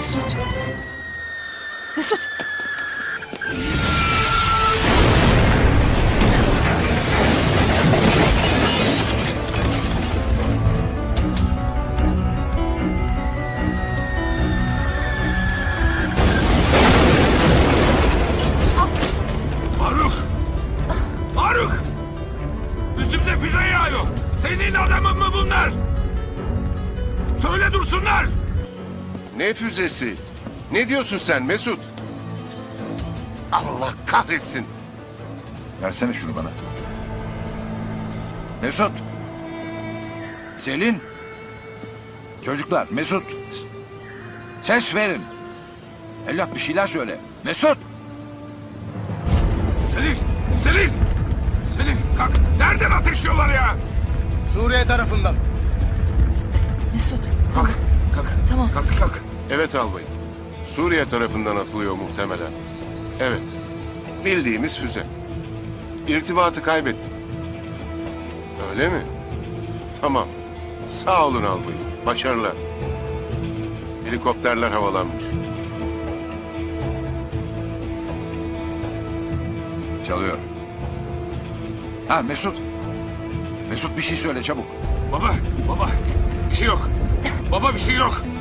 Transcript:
Mesut. Mesut. Faruk! Faruk! Üstümüze füze yağıyor. Senin adamın mı bunlar? Söyle dursunlar. Ne füzesi? Ne diyorsun sen Mesut? Allah kahretsin. Versene şunu bana. Mesut. Selin. Çocuklar, Mesut. Ses verin. Evlat bir şeyler söyle. Mesut. Selin! Selin! Selin kalk. Nereden ateşliyorlar ya? Suriye tarafından. Mesut. Kalk. Kalk. Tamam. Kalk kalk. Evet albayım. Suriye tarafından atılıyor muhtemelen. Evet. Bildiğimiz füze. İrtibatı kaybettim. Öyle mi? Tamam. Sağ olun albayım. Başarılar. Helikopterler havalanmış. Çalıyor. Ha Mesut. Mesut bir şey söyle çabuk. Baba. Bir şey yok. Baba bir şey yok.